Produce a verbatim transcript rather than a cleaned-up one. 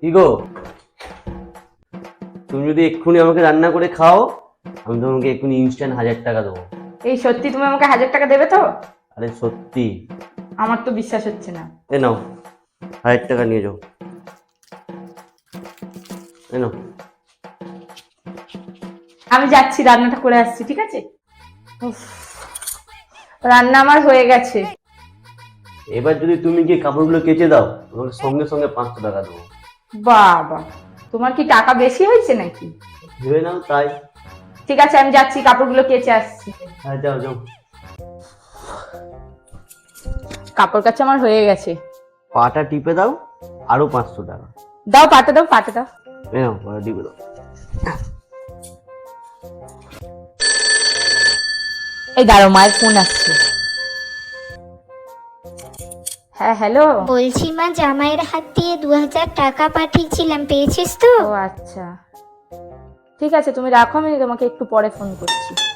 কি গো, তুমি যদি এক্ষুনি আমাকে রান্না করে খাও, আমি তোমাকে এক্ষুনি ইনস্ট্যান্ট হাজার টাকা দেবো। এই সত্যি তুমি আমাকে হাজার টাকা দেবে তো? আরে সত্যি। আমার তো বিশ্বাস হচ্ছে না। এ নাও, হাজার টাকা নিয়ে যাও। এ নাও। আমি যাচ্ছি, রান্নাটা করে আসছি, ঠিক আছে? উফ, রান্না আমার হয়ে গেছে। এবার যদি তুমি গিয়ে কাপড়গুলো কেচে দাও, তোমাকে সঙ্গে সঙ্গে পাঁচশো টাকা দেবো। বাবা, তোমার কি টাকা বেশি হয়েছে নাকি? ভেবে নাও তাই। ঠিক আছে, আমি যাচ্ছি, কাপড়গুলো কেচে আসছি। হ্যাঁ যাও যাও। কাপড় কাচা আমার হয়ে গেছে। পাটা টিপে দাও, আরো পাঁচশো টাকা। দাও, পাটা দাও, পাটা দাও। এ নাও, পাটা টিপে দাও। এই দাঁড়াও, মায়ের ফোন আসছে। হ্যাঁ হ্যালো। বলছি মা, জামাইয়ের হাত দিয়ে দু হাজার টাকা পাঠিয়েছিলাম, পেয়েছিস তো? ও আচ্ছা, ঠিক আছে, তুমি রাখো, আমি তোমাকে একটু পরে ফোন করছি।